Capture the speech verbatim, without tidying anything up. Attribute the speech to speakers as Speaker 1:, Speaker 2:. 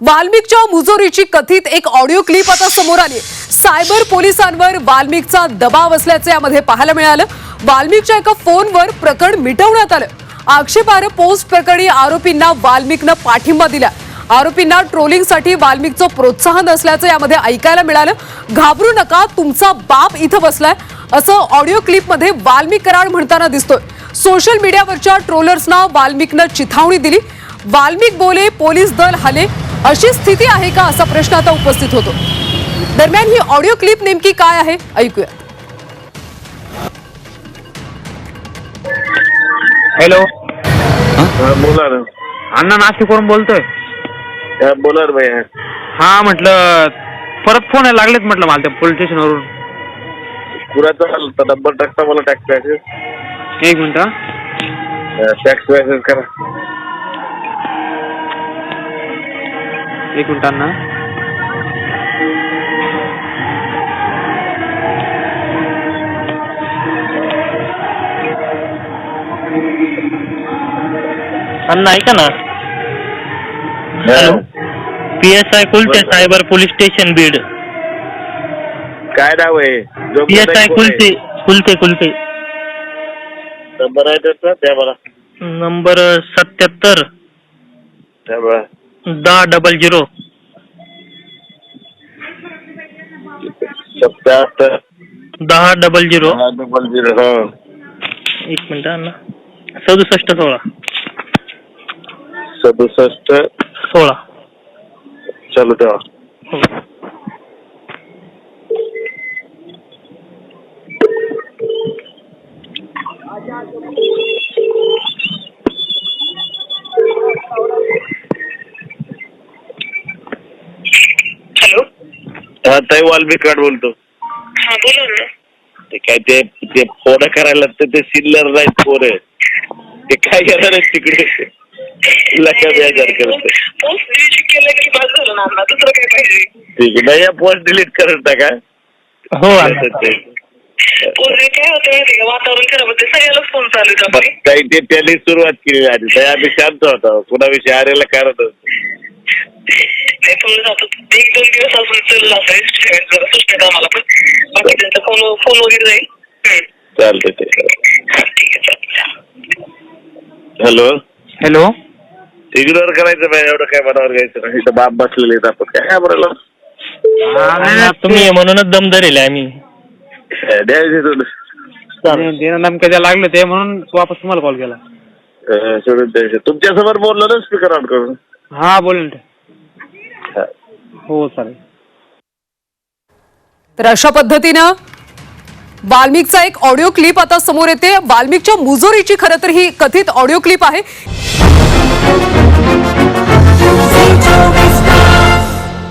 Speaker 1: वाल्मिकच्या मुजोरीची कथित एक audio clip आता समोर आली। सायबर पोलिसांवर वाल्मिकचा दबाव असल्याचे यामध्ये पाहायला मिळालं। वाल्मिकच्या एका फोनवर प्रकरण मिटवण्यात आलं। आक्षेपार्ह पोस्ट प्रकरणी आरोपींना वाल्मिकनं पाठिंबा दिला। आरोपींना ट्रोलिंगसाठी वाल्मिकचं प्रोत्साहन असल्याचं यामध्ये ऐकायला मिळालं। घाबरू नका, तुमचा बाप इथं बसलाय असं ऑडिओ क्लिपमध्ये वाल्मिक कराड म्हणताना दिसतोय। सोशल मीडियावरच्या ट्रोलर्सना वाल्मिकनं चिथावणी दिली। वाल्मिक बोले, पोलीस दल हले, अशी स्थिती आहे का असा प्रश्न आता उपस्थित होतो। दरम्यान ही ऑडिओ क्लिप नेमकी काय आहे ऐकूया।
Speaker 2: हॅलो,
Speaker 3: बोला ना
Speaker 2: अण्णा नाशिकवरून बोलतोय।
Speaker 3: बोला रे भैया।
Speaker 2: हा म्हटलं परत फोन यायला लागलेत म्हटलं मला त्या पोलीस स्टेशनवरून।
Speaker 3: पुराचा नंबर टाकता मला टॅक्स मॅसेज।
Speaker 2: एक मिनिट
Speaker 3: टॅक्स मॅसेज करा।
Speaker 2: एक मिनिट अण्णा।
Speaker 4: अण्णा ऐका ना। Hello, P S I Kulte, cyber police station Beed.
Speaker 3: काय नाव आहे?
Speaker 4: P S I Kulte Kulte Kulte
Speaker 3: number आहे त्याचा द्या मला।
Speaker 4: नंबर सत्याहत्तर
Speaker 3: द्या मला।
Speaker 4: दहा डबल झिरो
Speaker 3: सत्याहत्तर
Speaker 4: दहा डबल झिरो
Speaker 3: डबल झिरो हा
Speaker 4: एक मिनिट अण्णा। सदुसष्ट सोळा
Speaker 3: सदुसष्ट
Speaker 4: सोळा
Speaker 3: चालू ठेवा।
Speaker 4: हो।
Speaker 5: हॅलो,
Speaker 3: हा ताई वाल्मिक कराड बोलतो।
Speaker 5: हा बोला ना।
Speaker 3: ते काय ते ते फोन करायला लागतं ते सिल्लर नाही फोन आहे ते काय करणार आहे तिकडे लका बेजार करते।
Speaker 5: पोस्ट डिलीट केलं की बस झालं ना अण्णा, दुसरं काय पाहिजे?
Speaker 3: ठीक आहे, पोस्ट डिलीट करत टाका।
Speaker 4: हो
Speaker 5: पोस्ट काय होतं माहिती का, वातावरण खराब होते, सगळ्यालाच फोन चालू आहे आपले।
Speaker 3: ताई ते त्यांनी सुरुवात केली आधी ताई आम्ही शांत होतो, कुणाविषयी आरेला कारण
Speaker 5: नाही थोडं जातो एक दोन दिवस असून चाललं असेल जरा सुस्त आम्हाला, पण बाकी त्यांचा फोन फोन वगैरे जाईल।
Speaker 3: चालतंय ते।
Speaker 5: ठीक आहे चालतं।
Speaker 3: हॅलो
Speaker 4: हॅलो,
Speaker 3: इग्नोर करायचं नाही, एवढं काय मनावर घ्यायचं नाही। इथं बाप बसलेले आहेत, आपण काय बोलायला।
Speaker 4: तुम्ही म्हणूनच दम धरेल आम्ही।
Speaker 3: द्यायचे थोडं
Speaker 2: नेमकं द्या लागलं ते म्हणून वापस तुम्हाला कॉल केला।
Speaker 3: सोडून द्यायचं। तुमच्या समोर बोललो ना स्पीकर ऑन करून।
Speaker 2: हा बोलेल ते। हो चालेल।
Speaker 1: तर अशा पद्धतीनं वाल्मिकचा एक ऑडिओ क्लिप आता समोर येते। वाल्मिकच्या मुजोरीची खरं तर ही कथित ऑडिओ क्लिप आहे।